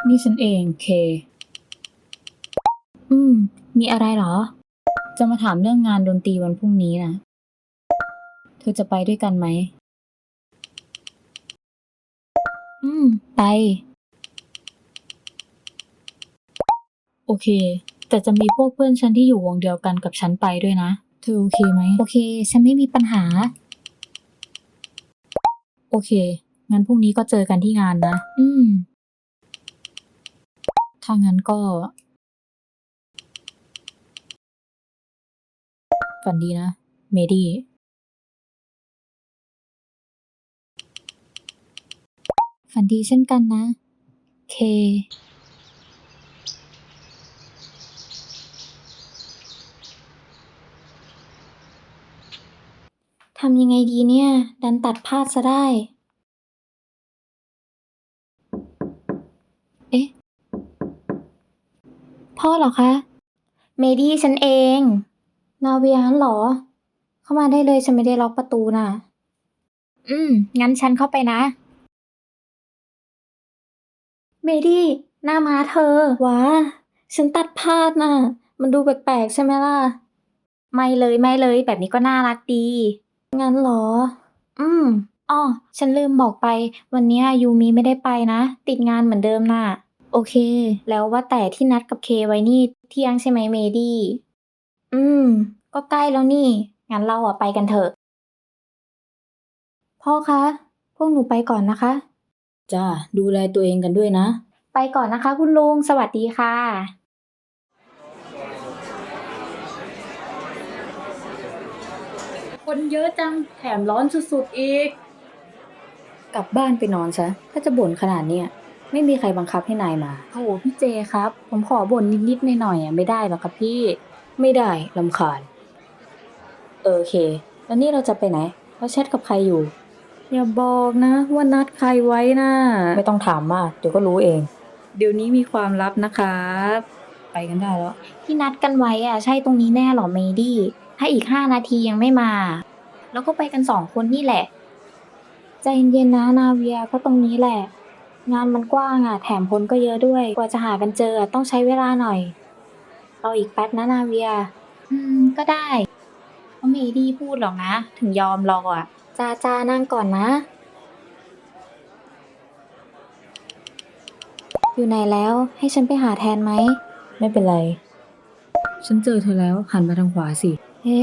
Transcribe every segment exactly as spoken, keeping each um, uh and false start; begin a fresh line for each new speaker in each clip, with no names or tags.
นี่ฉันเองเคอืมมีอะไรเหรอจะมาถามเรื่องงานดนตรีวันพรุ่งนี้นะเธอจะไปด้วยกันไหมอืมไปโอเคแต่จะมีพวกเพื่อนฉันที่อยู่วงเดียวกันกับฉันไปด้วยนะเธอโอเคไหมโอเคฉันไม่มีปัญหาโอเคงั้นพรุ่งนี้ก็เจอกันที่งานนะอืมถ้างั้นก็ฝันดีนะเมดี้ฝันดีเช่นกันนะเคทำยังไงดีเนี่ย ดันตัดพลาดซะได้ เอ๊ะ พ่อเหรอคะ เมดี้ฉันเอง นาเวียงั้นเหรอ เข้ามาได้เลยฉันไม่ได้ล็อกประตูน่ะ อืม งั้นฉันเข้าไปนะ เมดี้หน้าม้าเธอว้าฉันตัดพลาดน่ะ มันดูแปลกๆใช่ไหมล่ะ ไม่เลยไม่เลย แบบนี้ก็น่ารักดี งั้นเหรอ อืมอ้อฉันลืมบอกไป วันเนี้ยยูมิไม่ได้ไปนะ ติดงานเหมือนเดิมน่ะ โอเค แล้วว่าแต่ที่นัดกับเคไว้นี่เที่ยงใช่ไหมเมดี้ อืม ก็ใกล้แล้วนี่ งั้นเราอะไปกันเถอะ พ่อคะ พวกหนูไปก่อนนะคะ จ้า ดูแลตัวเองกันด้วยนะ ไปก่อนนะคะคุณลุง สวัสดีค่ะ คนเยอะจัง แถมร้อนสุดๆอีก กลับบ้านไปนอนซะ ถ้าจะบ่นขนาดเนี้ยไม่มีใครบังคับให้นายมาโถพี่เจครับ ผมขอบ่นนิดๆหน่อยๆอ่ะไม่ได้หรอครับพี่ ไม่ได้รำคาญ เออโอเค แล้วนี่เราจะไปไหนเราแชทกับใครอยู่ อย่าบอกนะว่านัดใครไว้น่ะ ไม่ต้องถามมาก เดี๋ยวก็รู้เอง เดี๋ยวนี้มีความลับนะครับ ไปกันได้แล้ว ที่นัดกันไว้อ่ะใช่ตรงนี้แน่หรอเมดี้ ถ้าอีกห้านาทียังไม่มา แล้วก็ไปกันสองคนนี่แหละ ใจเย็นๆนะนาเวียก็ตรงนี้แหละ งานมันกว้างอ่ะแถมคนก็เยอะด้วย กว่าจะหากันเจอต้องใช้เวลาหน่อยรออีกแป๊บนะนาเวีย อืมก็ได้เพราะเมดี้พูดหรอกนะ ถึงยอมรออ่ะจ้าจ้านั่งก่อนนะ อยู่ไหนแล้วให้ฉันไปหาแทนไหม ไม่เป็นไร ฉันเจอเธอแล้วหันมาทางขวาสิ เฮ้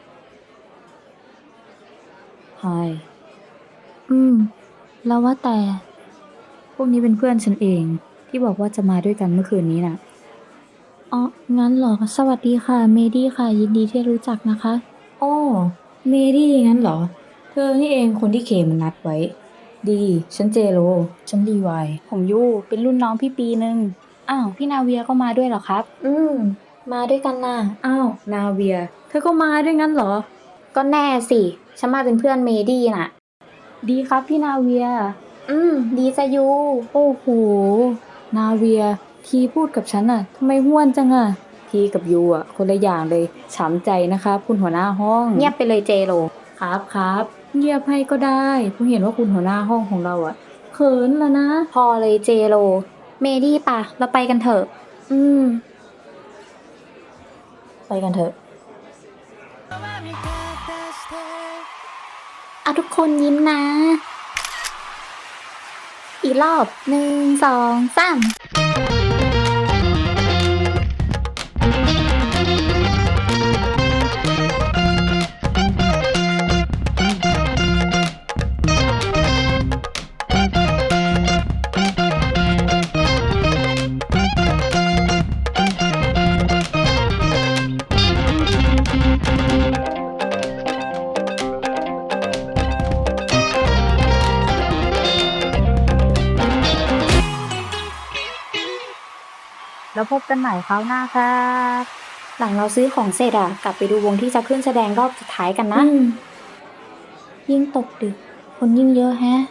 ไฮอืม แล้วว่าแต่ พวกนี้เป็นเพื่อนฉันเอง ที่บอกว่าจะมาด้วยกันเมื่อคืนนี้น่ะ อ๋อ งั้นเหรอ สวัสดีค่ะ เมดี้ค่ะ ยินดีที่รู้จักนะคะโอ้เมดี้งั้นเหรอ เธอนี่เองคนที่เคมันนัดไว้ ดี ฉันเจโร ฉันรีวาย ผมยูเป็นรุ่นน้องพี่ปีหนึ่งอ้าว พี่นาเวียก็มาด้วยเหรอครับ อืม มาด้วยกันน่ะ อ้าว นาเวีย เธอก็มาด้วยงั้นเหรอ ก็แน่สิ ฉันมาเป็นเพื่อนเมดี้น่ะ ดีครับพี่นาเวีย อืม ดีจะยู โอ้โห นาเวีย ทีพูดกับฉันอะทำไมห้วนจังอะทีกับยูอะคนละอย่างเลย ช้ำใจนะครับคุณหัวหน้าห้อง เงียบไปเลยเจโรครับครับเงียบให้ก็ได้เพราะเห็นว่าคุณหัวหน้าห้องของเราอะเขินแล้วนะ พอเลยเจโรเมดี้ปะเราไปกันเถอะ อืม ไปกันเถอะเอาทุกคนยิ้มนะ อีกรอบหนึ่งสองสามแล้วพบกันใหม่คราวหน้าครับ หลังเราซื้อของเสร็จอ่ะ กลับไปดูวงที่จะขึ้นแสดงรอบสุดท้ายกันนะ ยิ่งตกดึก คนยิ่งเยอะแฮะ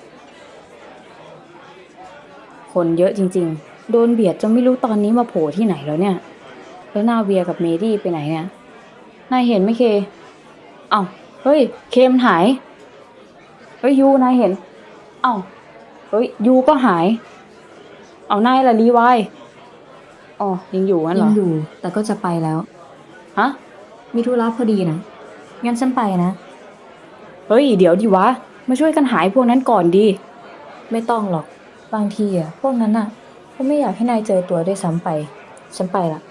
คนเยอะจริงๆ โดนเบียดจนไม่รู้ตอนนี้มาโผล่ที่ไหนแล้วเนี่ย แล้วนาเวียกับเมดี้ไปไหนเนี่ย นายเห็นไหมเค เอ้า เฮ้ย เคมนหาย เฮ้ยยูนายเห็น เอ้า เฮ้ยยูก็หาย
เอานายละรีไวน์อ๋อยังอยู่งั้นเหร
ยั
อ
งอยู่ แต่ก็จะไปแล้ว
ฮะ
มีธุระพอดีนะงั้นฉันไปนะ
เฮ้ย เดี๋ยวดิวะ มาช่วยกันหายพวกนั้นก่อนดี
ไม่ต้องหรอก บางทีอ่ะ พวกนั้นอ่ะก็ไม่อยากให้นายเจอตัวด้วยซ้ำไป ฉันไปละ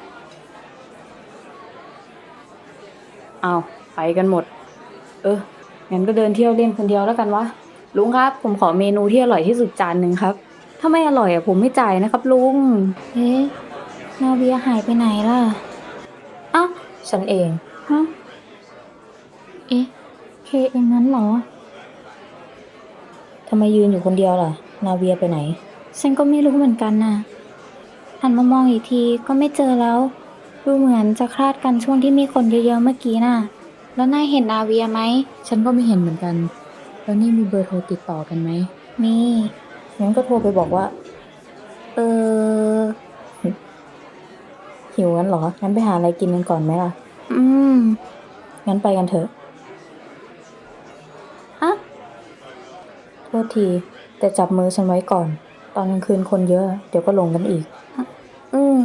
เอาไปกันหมด เออ งั้นก็เดินเที่ยวเล่นคนเดียวแล้วกันวะ ลุงครับ ผมขอเมนูที่อร่อยที่สุดจานหนึ่งครับ ถ้าไม่อร่อยอ่ะผมไม่จ่ายนะครับลุง
เอ๊ะ นาเวียหายไปไหนล่ะอ้าวฉันเอง ฮะ เอ๊ะ เคเองนั้นเหรอ ทำไมยืนอยู่คนเดียวล่ะ นาเวียไปไหน ฉันก็ไม่รู้เหมือนกันน่ะ หันมามองอีกทีก็ไม่เจอแล้ว ดูเหมือนจะคลาดกันช่วงที่มีคนเยอะๆเมื่อกี้น่ะ แล้วนายเห็นนาเวียไหม ฉันก็ไม่เห็นเหมือนกัน แล้วนี่มีเบอร์โทรติดต่อกันไหม มี งั้นก็โทรไปบอกว่า เออ หิวงั้นเหรอ งั้นไปหาอะไรกินกันก่อนไหมล่ะ อืม งั้นไปกันเถอะอะโทษที แต่จับมือฉันไว้ก่อน ตอนกลางคืนคนเยอะ เดี๋ยวก็หลงกันอีก อืม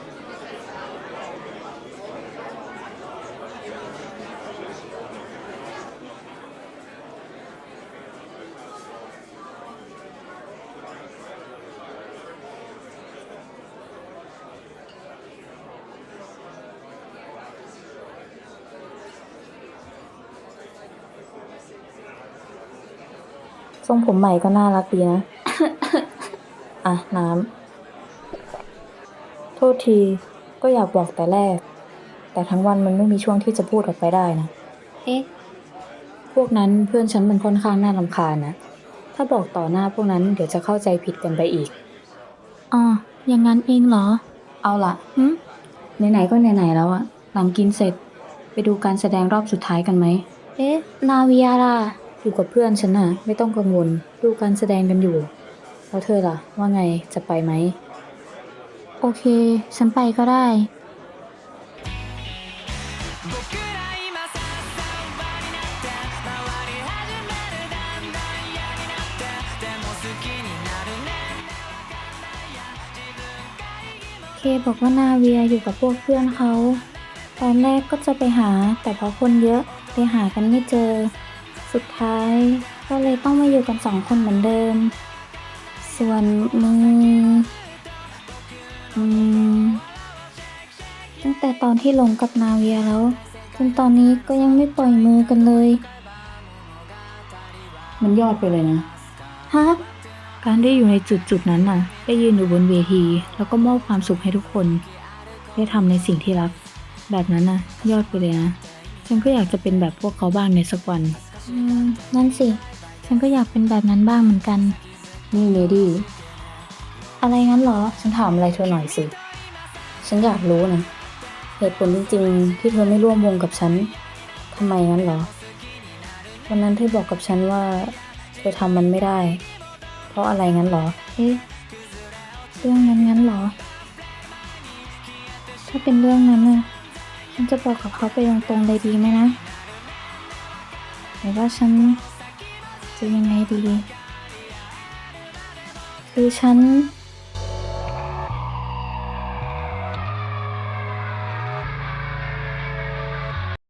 ทรงผมใหม่ก็น่ารักดีนะ อ่ะ น้ำ โทษที ก็อยากบอกแต่แรก แต่ทั้งวันมันไม่มีช่วงที่จะพูดออกไปได้นะ เอ๊ะ พวกนั้นเพื่อนฉันมันค่อนข้างน่ารำคาญนะ ถ้าบอกต่อหน้าพวกนั้นเดี๋ยวจะเข้าใจผิดกันไปอีก อ๋อ อย่างนั้นเองเหรอ เอาล่ะหึไหนๆก็ไหนๆแล้วอะหลังกินเสร็จ ไปดูการแสดงรอบสุดท้ายกันไหม เอ๊ะ นาเวียล่ะ อยู่กับเพื่อนฉันน่ะ ไม่ต้องกังวล ดูการแสดงกันอยู่ แล้วเธอล่ะ ว่าไง จะไปไหม โอเค ฉันไปก็ได้ เคบอกว่านาเวียอยู่กับพวกเพื่อนเขา ตอนแรกก็จะไปหา แต่พอคนเยอะเลยหากันไม่เจอ สุดท้ายก็เลยต้องมาอยู่กันสองคนเหมือนเดิม ส่วนมือ อืม ตั้งแต่ตอนที่หลงกับนาเวียแล้ว จนตอนนี้ก็ยังไม่ปล่อยมือกันเลย มันยอดไปเลยนะ ฮะ การได้อยู่ในจุดจุดนั้นน่ะ ได้ยืนอยู่บนเวที แล้วก็มอบความสุขให้ทุกคน ได้ทำในสิ่งที่รัก แบบนั้นน่ะ ยอดไปเลยนะ ฉันก็อยากจะเป็นแบบพวกเขาบ้างในสักวัน อืม นั่นสิ ฉันก็อยากเป็นแบบนั้นบ้างเหมือนกัน นี่เมดี้ อะไรงั้นเหรอ ฉันถามอะไรเธอหน่อยสิ ฉันอยากรู้นะ เหตุผลจริงๆที่เธอไม่ร่วมวงกับฉัน ทำไมงั้นเหรอ วันนั้นเธอบอกกับฉันว่า เธอทำมันไม่ได้ เพราะอะไรงั้นเหรอ เอ๊ะ เรื่องนั้นงั้นเหรอ ถ้าเป็นเรื่องนั้นน่ะ ฉันจะบอกกับเขาไปตรงๆเลยดีไหมนะหรือว่าฉันจะยังไงดี คือฉัน